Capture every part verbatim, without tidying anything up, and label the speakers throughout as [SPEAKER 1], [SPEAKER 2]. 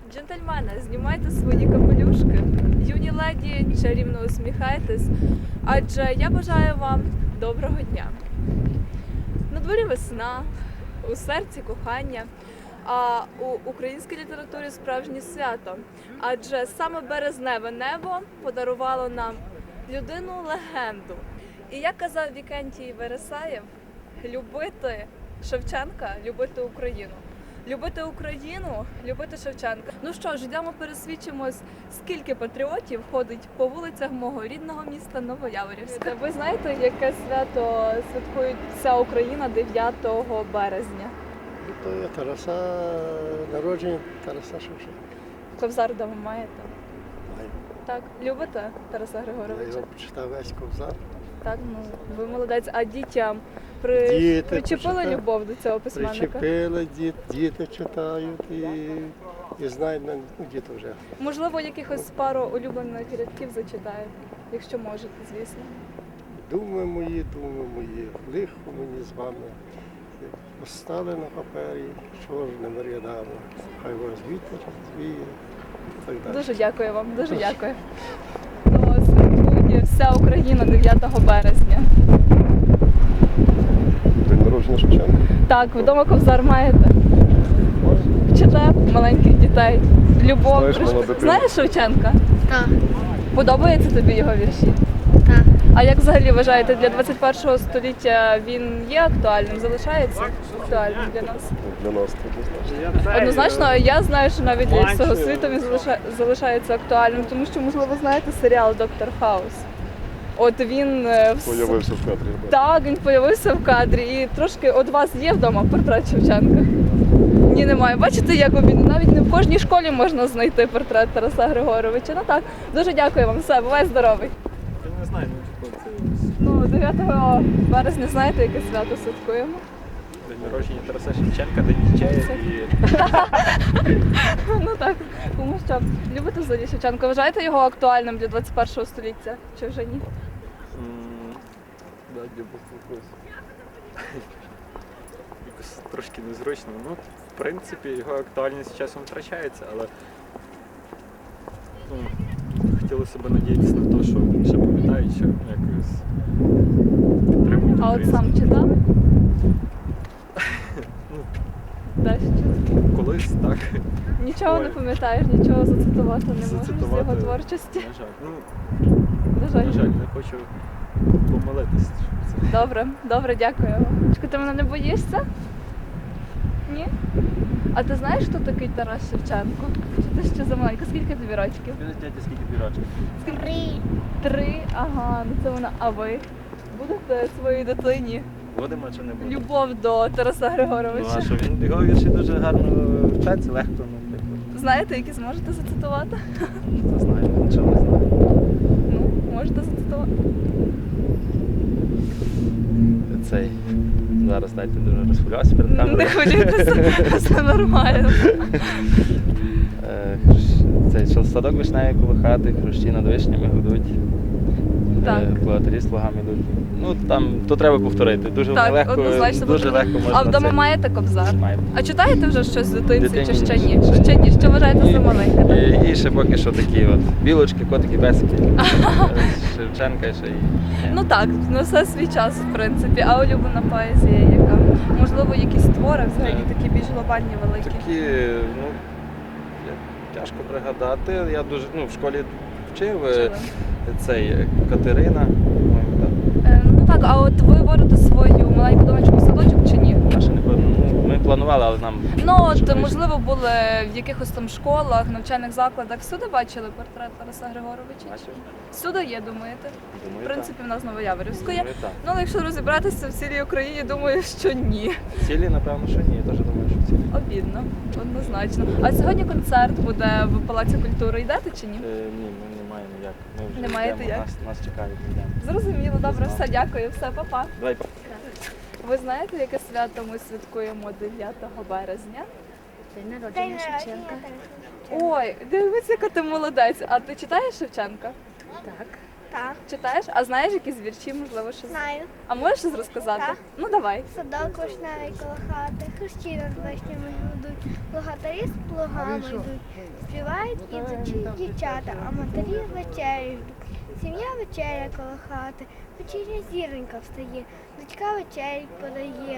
[SPEAKER 1] Джентльмени, знімайте свої капелюшки, юні леді, чарівно усміхайтесь, адже я бажаю вам доброго дня. На дворі весна, у серці кохання, а у українській літературі справжнє свято, адже саме березневе небо подарувало нам людину-легенду. І як казав Вікентій Вересаєв, любити Шевченка, любити Україну. Любити Україну, любити Шевченка. Ну що ж, йдемо пересвідчимось, скільки патріотів ходить по вулицях мого рідного міста Новояворівська. Ви знаєте, яке свято святкує вся Україна дев'ятого березня?
[SPEAKER 2] То є Тараса, народження Тараса Шевченка.
[SPEAKER 1] Ковзар вдома маєте?
[SPEAKER 2] Маю.
[SPEAKER 1] Так. Любите Тараса
[SPEAKER 2] Я
[SPEAKER 1] Григоровича?
[SPEAKER 2] його прочитав весь ковзар.
[SPEAKER 1] Так, ну ви молодець. А дітям при...
[SPEAKER 2] Діти
[SPEAKER 1] причепили
[SPEAKER 2] почитали.
[SPEAKER 1] любов до цього письменника?
[SPEAKER 2] Причепили, діт, діти читають і, і знають, ну діти вже.
[SPEAKER 1] Можливо, якихось пару улюблених рядків зачитаєте, якщо можете, звісно.
[SPEAKER 2] Думи мої, думи мої, лихо мені з вами. Постали на папері чорними рядами. Хай вас вітер звіє і так далі.
[SPEAKER 1] Дуже дякую вам, дуже дякую. Ну, святкує вся Україна дев'ятого березня.
[SPEAKER 2] День народження Шевченка.
[SPEAKER 1] Так, вдома ковзар маєте? Вчите маленьких дітей. Любов.
[SPEAKER 2] Знаєш,
[SPEAKER 1] Приш-
[SPEAKER 2] молода дитина.
[SPEAKER 1] Знаєш Шевченка?
[SPEAKER 3] Так,
[SPEAKER 1] Подобається тобі його вірші?
[SPEAKER 3] так.
[SPEAKER 1] А як взагалі вважаєте, для двадцять першого століття він є актуальним, залишається актуальним для нас?
[SPEAKER 2] Для нас так.
[SPEAKER 1] Однозначно, я знаю, що навіть для всього світу він залиша- залишається актуальним, тому що, можливо, знаєте серіал «Доктор Хаус». От він е, в с-
[SPEAKER 2] Появився в кадрі.
[SPEAKER 1] так, він появився в кадрі, і трошки от вас є вдома портрет Шевченка? Ні, немає. Бачите, як він навіть не в кожній школі можна знайти портрет Тараса Григоровича. Ну так, дуже дякую вам, все, бувай здоровий.
[SPEAKER 4] Я не знаю, ну типу, це
[SPEAKER 1] Ну, дев'ятого березня знаєте, яке свято святкуємо?
[SPEAKER 4] день народження Тараса Шевченка, день дітей і
[SPEAKER 1] Ну так, тому що любите взагалі Шевченка. Вважаєте його актуальним для двадцять першого століття? Чи вже ні?
[SPEAKER 4] м, да, для якось якось трошки незручно. Ну, в принципі, його актуальність з часом втрачається, але ну, хотілося б надіятися на те, що ще пам'ятають, що якось підтримують
[SPEAKER 1] А от
[SPEAKER 4] українську.
[SPEAKER 1] сам читав?
[SPEAKER 4] Ну,
[SPEAKER 1] Дещо.
[SPEAKER 4] колись так.
[SPEAKER 1] Нічого не
[SPEAKER 4] Ой.
[SPEAKER 1] пам'ятаєш, нічого зацитувати не можеш з
[SPEAKER 4] Зацитувати,
[SPEAKER 1] його творчості.
[SPEAKER 4] На жаль. Ну,
[SPEAKER 1] На жаль.
[SPEAKER 4] на жаль, не хочу помилитись. що це.
[SPEAKER 1] Добре, добре, дякую. Чекай, ти мене не боїшся? Ні? А ти знаєш, хто такий Тарас Шевченко? Чи ти ще замаленька? Скільки тобі років?
[SPEAKER 4] Скажіть, дядя, скільки тобі років?
[SPEAKER 3] Три.
[SPEAKER 1] Три? Ага, ну це вона. А ви? Будете своїй дитині
[SPEAKER 4] Будемо чи не будемо?
[SPEAKER 1] любов до Тараса
[SPEAKER 4] Ну,
[SPEAKER 1] Григоровича?
[SPEAKER 4] а що він його вірші дуже гарно вчаться, легко, ну, типу,
[SPEAKER 1] Знаєте, які зможете зацитувати?
[SPEAKER 4] не знаю, нічого не знаю.
[SPEAKER 1] Ну, можете зацитувати.
[SPEAKER 4] Цей, зараз, дайте, дуже розхвилювався перед
[SPEAKER 1] Не
[SPEAKER 4] камерою.
[SPEAKER 1] хвилюйтеся, все нормально.
[SPEAKER 4] Е, хрущ- Цей що садок вишневий коло хати, хрущі над вишнями гудуть.
[SPEAKER 1] Так.
[SPEAKER 4] Е, Платарі слугами йдуть. Ну там, то треба повторити. Дуже
[SPEAKER 1] Так,
[SPEAKER 4] легко,
[SPEAKER 1] однозначно
[SPEAKER 4] дуже
[SPEAKER 1] потрібно.
[SPEAKER 4] легко можна
[SPEAKER 1] А вдома
[SPEAKER 4] це-
[SPEAKER 1] маєте ковзар?
[SPEAKER 4] Маємо.
[SPEAKER 1] А читаєте вже щось в дитинці чи
[SPEAKER 4] Дитині
[SPEAKER 1] ще
[SPEAKER 4] ні,
[SPEAKER 1] ні?
[SPEAKER 4] ще ні.
[SPEAKER 1] Ще ні. Що вважаєте за маленьке? так?
[SPEAKER 4] І, і ще поки що такі от білочки, котики, бесики. Е, Шевченка ще й.
[SPEAKER 1] Ну так, на все свій час, в принципі. А улюблена поезія яка? Можливо, якісь твори взагалі такі більш глобальні, великі.
[SPEAKER 4] Такі, ну, я- тяжко пригадати. Я дуже, ну, в школі вчив е,
[SPEAKER 1] Вчили.
[SPEAKER 4] цей е, Катерина, по-моєму, так.
[SPEAKER 1] Е, Ну так, а от ви водите свою маленьку донечку в садочок чи ні?
[SPEAKER 4] Я ще не певно. Ну, ми планували, але нам.
[SPEAKER 1] Ну
[SPEAKER 4] Що
[SPEAKER 1] от
[SPEAKER 4] вийшло?
[SPEAKER 1] можливо були в якихось там школах, навчальних закладах. Всюди бачили портрет Тараса Григоровича?
[SPEAKER 4] Бачив?
[SPEAKER 1] Всюди є, думаєте?
[SPEAKER 4] Думаю,
[SPEAKER 1] В принципі, в нас Новояворівська є.
[SPEAKER 4] Думаю, так.
[SPEAKER 1] Ну, але якщо розібратися в цілій Україні, думаю, що ні.
[SPEAKER 4] Цілі, напевно, що ні. Я теж думаю, що цілі.
[SPEAKER 1] Обідно, однозначно. А сьогодні концерт буде в Палаці культури. Йдете чи ні?
[SPEAKER 4] Е, ні, ми не маємо як. Ми вже
[SPEAKER 1] Не маєте
[SPEAKER 4] йдемо.
[SPEAKER 1] як?
[SPEAKER 4] Нас, нас чекають, ми йдемо.
[SPEAKER 1] Зрозуміло, добре,
[SPEAKER 4] знав.
[SPEAKER 1] все, дякую, все, па-па.
[SPEAKER 4] Давай,
[SPEAKER 1] Ви знаєте, яке свято ми святкуємо дев'ятого березня?
[SPEAKER 3] День народження Шевченка.
[SPEAKER 1] Ой, дивись, яка ти молодець. А ти читаєш Шевченка?
[SPEAKER 3] Так. Так,
[SPEAKER 1] Читаєш? А знаєш якісь вірші, можливо, щось?
[SPEAKER 3] знаю.
[SPEAKER 1] А можеш щось розказати?
[SPEAKER 3] Так.
[SPEAKER 1] Ну давай.
[SPEAKER 3] Садок вишневий коло хати, хрещі над вишнями гудуть.
[SPEAKER 5] Плугатарі з плугами йдуть, співають ідучі дівчата, а матері вечерю ждуть. Сім'я вечеря коло хати, вечірня зіронька встає, дочка вечерю подає.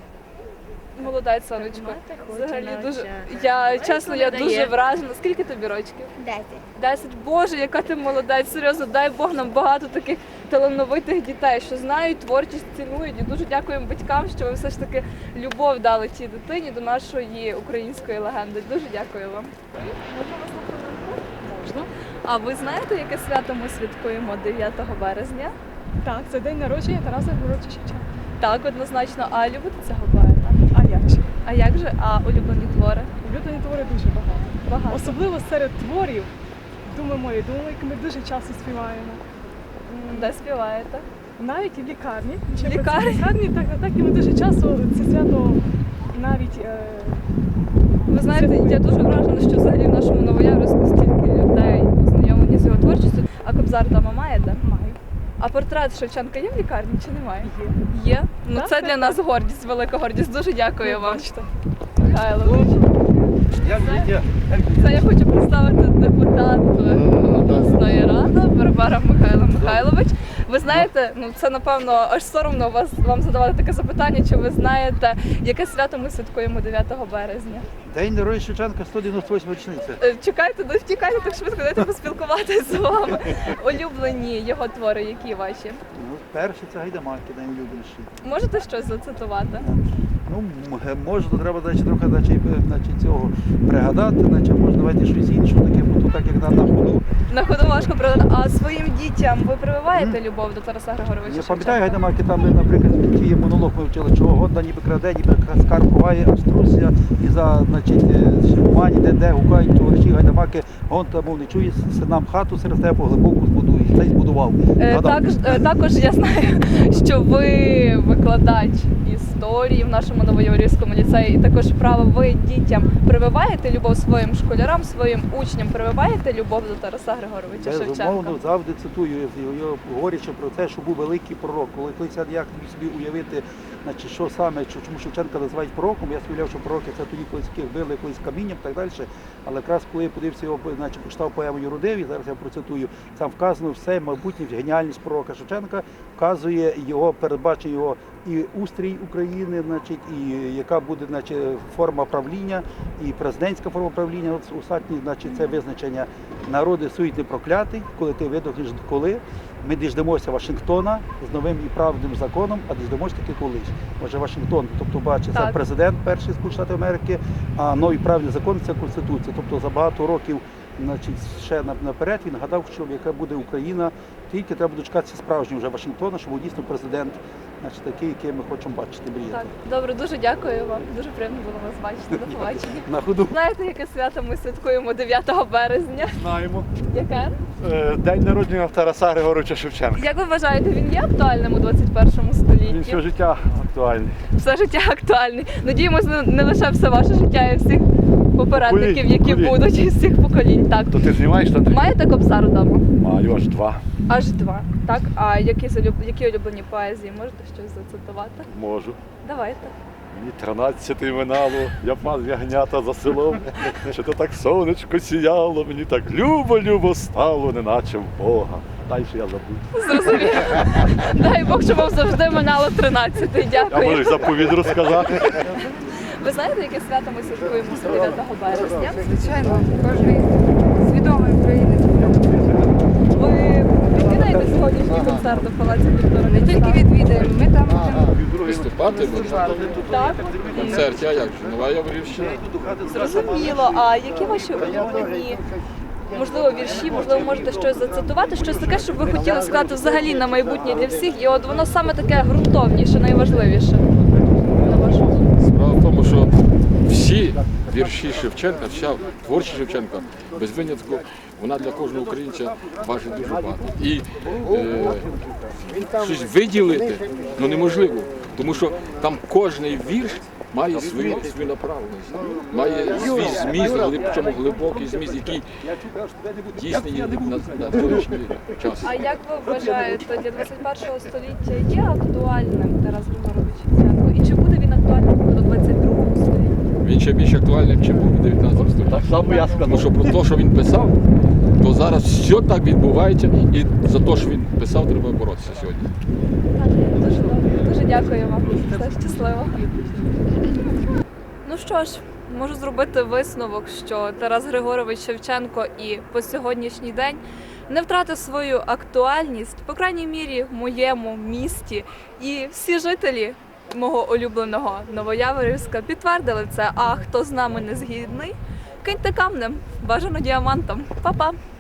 [SPEAKER 1] Молодець, сонечко.
[SPEAKER 3] Мати хоче
[SPEAKER 1] Взагалі дуже.
[SPEAKER 3] навчати.
[SPEAKER 1] Я чесно, я
[SPEAKER 3] передає.
[SPEAKER 1] дуже вражена. Скільки тобі рочків?
[SPEAKER 5] Десять.
[SPEAKER 1] Десять. Боже, яка ти молодець. Серйозно, дай Бог нам багато таких талановитих дітей, що знають творчість, цінують. І дуже дякуємо батькам, що ви все ж таки любов дали цій дитині до нашої української легенди. Дуже дякую вам. Можна вас на хвилинку?
[SPEAKER 6] Можна?
[SPEAKER 1] А ви знаєте, яке свято ми святкуємо дев'ятого березня?
[SPEAKER 6] Так, це день народження Тараса Григоровича Шевченка.
[SPEAKER 1] Так, однозначно. А любите цього поета?
[SPEAKER 6] А як же?
[SPEAKER 1] А як же? А улюблені твори?
[SPEAKER 6] Улюблені твори дуже багато.
[SPEAKER 1] Багато.
[SPEAKER 6] Особливо серед творів «Думи мої, думи, які ми дуже часто співаємо.
[SPEAKER 1] Де співаєте?
[SPEAKER 6] Навіть і в лікарні.
[SPEAKER 1] В
[SPEAKER 6] Чи
[SPEAKER 1] лікарні?
[SPEAKER 6] В лікарні, так, так і ми дуже часто це свято навіть е,
[SPEAKER 1] Ви знаєте, я дуже вражена, що взагалі в нашому Новояворівську стільки людей познайомлені з його творчістю. А Кобзар вдома маєте?
[SPEAKER 6] маю.
[SPEAKER 1] А портрет Шевченка є в лікарні чи немає?
[SPEAKER 6] Є.
[SPEAKER 1] Є? Ну
[SPEAKER 6] Так,
[SPEAKER 1] це
[SPEAKER 6] так,
[SPEAKER 1] для нас гордість, велика гордість. Дуже дякую вам.
[SPEAKER 6] Бачите.
[SPEAKER 1] Михайлович. Це, це я хочу представити депутат обласної ради Барбара Михайло Михайлович. Ви знаєте, ну це напевно аж соромно вас вам задавати таке запитання. Чи ви знаєте, яке свято ми святкуємо дев'ятого березня?
[SPEAKER 7] День народження Шевченка, сто дев'яносто восьма річниця.
[SPEAKER 1] Е, Чекайте, не втікайте так швидко, дайте поспілкуватися з вами. Улюблені його твори, які ваші?
[SPEAKER 7] Ну, перший це гайдамаки, найулюбленіші.
[SPEAKER 1] Можете щось зацитувати?
[SPEAKER 7] Ну, м- може, то треба значить, трохи значить, е, значить, цього пригадати, значить, може давайте щось інше, таке, бо то так як на, на ходу.
[SPEAKER 1] На ходу важко пригадати. А своїм дітям ви прививаєте любов до Тараса Григоровича
[SPEAKER 7] Я
[SPEAKER 1] Шевченка?
[SPEAKER 7] пам'ятаю гайдамаки, там, наприклад, ті монолог ми вчили, чого Гонда ніби краде, ніби скарб ховає, аж трусся, і за, значить, шумані, де, де гукають товариші гайдамаки, Гонта, мов не чує, синам хату серед степу глибоку збудує. Цей збудував.
[SPEAKER 1] Е,
[SPEAKER 7] Гадав.
[SPEAKER 1] також, е, також я знаю, що ви викладач історії в нашому Новояворівському ліцеї, і також право ви дітям прививаєте любов своїм школярам, своїм учням, прививаєте любов до Тараса Григоровича Шевченка?
[SPEAKER 7] Безумовно, завжди цитую його, говорячи про те, що був великий пророк. Коли колись я ніяк не міг собі уявити, значить, що саме, чому Шевченка називають пророком, я уявляв, що пророки це тоді колись яких били колись камінням і так далі. Але якраз коли я подивився його, значить, прочитав поему Юродиві, зараз я процитую, там вказано все, майбутнє геніальність пророка Шевченка, вказує його, передбачує його і устрій України, значить, і яка буде, значить, форма правління, і президентська форма правління. От остатні, значить, це визначення народи сують не проклятий, коли ти видохнеш коли. Ми діждемося Вашингтона з новим і правдивим законом, а діждемося таки колись. Може Вашингтон, тобто бачить, це
[SPEAKER 1] Так.
[SPEAKER 7] президент перший Сполучених Штатів Америки, а новий правильний закон це Конституція. Тобто за багато років, значить, ще на- наперед він гадав, що яка буде Україна, тільки треба дочекатися справжнього вже Вашингтона, щоб був дійсно президент, значить, такий, який ми хочемо бачити, мріяти.
[SPEAKER 1] Так, добре, дуже дякую вам. Дуже приємно було вас бачити. До побачення.
[SPEAKER 7] На ходу.
[SPEAKER 1] Знаєте, яке свято ми святкуємо дев'ятого березня?
[SPEAKER 8] Знаємо.
[SPEAKER 1] Яке?
[SPEAKER 8] Е, День народження Тараса Григоровича Шевченка.
[SPEAKER 1] Як ви вважаєте, він є актуальним у двадцять першому
[SPEAKER 8] Він
[SPEAKER 1] столітті?
[SPEAKER 8] все життя актуальний.
[SPEAKER 1] Все життя актуальний. Надіємося, не- не лише все ваше життя, а й всіх попередників,
[SPEAKER 8] Поколінь,
[SPEAKER 1] які
[SPEAKER 8] поколінь.
[SPEAKER 1] будуть, і всіх поколінь. Так.
[SPEAKER 8] То ти знімаєш там?
[SPEAKER 1] Маєте Кобзар вдома?
[SPEAKER 8] Маю аж два.
[SPEAKER 1] Аж два. Так. А які, залюб... які улюблені поезії? Можете щось зацитувати?
[SPEAKER 8] Можу.
[SPEAKER 1] Давайте.
[SPEAKER 8] Мені тринадцяти минало, я пас ягнята за селом. Чи то так сонечко сіяло, мені так любо-любо стало, неначе в Бога. Далі я забув.
[SPEAKER 1] Зрозуміло. Дай Бог, щоб вам завжди минало тринадцятий.
[SPEAKER 8] Я
[SPEAKER 1] Дякую.
[SPEAKER 8] можу заповідь розказати.
[SPEAKER 1] Ви знаєте, яке свято ми святкуємо дев'ятого березня?
[SPEAKER 9] Звичайно, кожен свідомий українець.
[SPEAKER 1] Ви відвідаєте сьогоднішній концерт у Палаці культури?
[SPEAKER 9] Не тільки відвідаємо, ми там будемо.
[SPEAKER 4] Виступати можна
[SPEAKER 1] Так.
[SPEAKER 4] в концерті, а як же? Нова Яворівщина.
[SPEAKER 1] Зрозуміло. А які ваші улюблені, можливо, вірші, можливо, можете щось зацитувати, щось таке, щоб ви хотіли сказати взагалі на майбутнє для всіх, і от воно саме таке ґрунтовніше, найважливіше. На вашу думку?
[SPEAKER 4] Справа в тому, що всі вірші Шевченка, вся творчість Шевченка, без винятку, вона для кожного українця важить дуже багато. І е, щось виділити ну, неможливо, тому що там кожний вірш має свою, свою направленість, має свій зміст, глиб- причому глибокий зміст, який дійсний є на, на теперішній час.
[SPEAKER 1] А як ви вважаєте, для двадцять першого століття є актуальним Тарас Григорович Шевченко? І чи буде він актуальним у двадцять другому столітті?
[SPEAKER 4] він ще більш актуальний, ніж був у дев'ятнадцятому столітті.
[SPEAKER 8] Так само я
[SPEAKER 4] Тому що
[SPEAKER 8] сказав.
[SPEAKER 4] про те, що він писав, то зараз все так відбувається, і за те, що він писав, треба боротися сьогодні.
[SPEAKER 1] Дуже добре. Дуже дякую вам. Все щасливо. Ну що ж, можу зробити висновок, що Тарас Григорович Шевченко і по сьогоднішній день не втратив свою актуальність, по крайній мірі, в моєму місті. І всі жителі мого улюбленого Новояворівська підтвердили це. А хто з нами не згідний, киньте камнем, бажано діамантом. Па-па!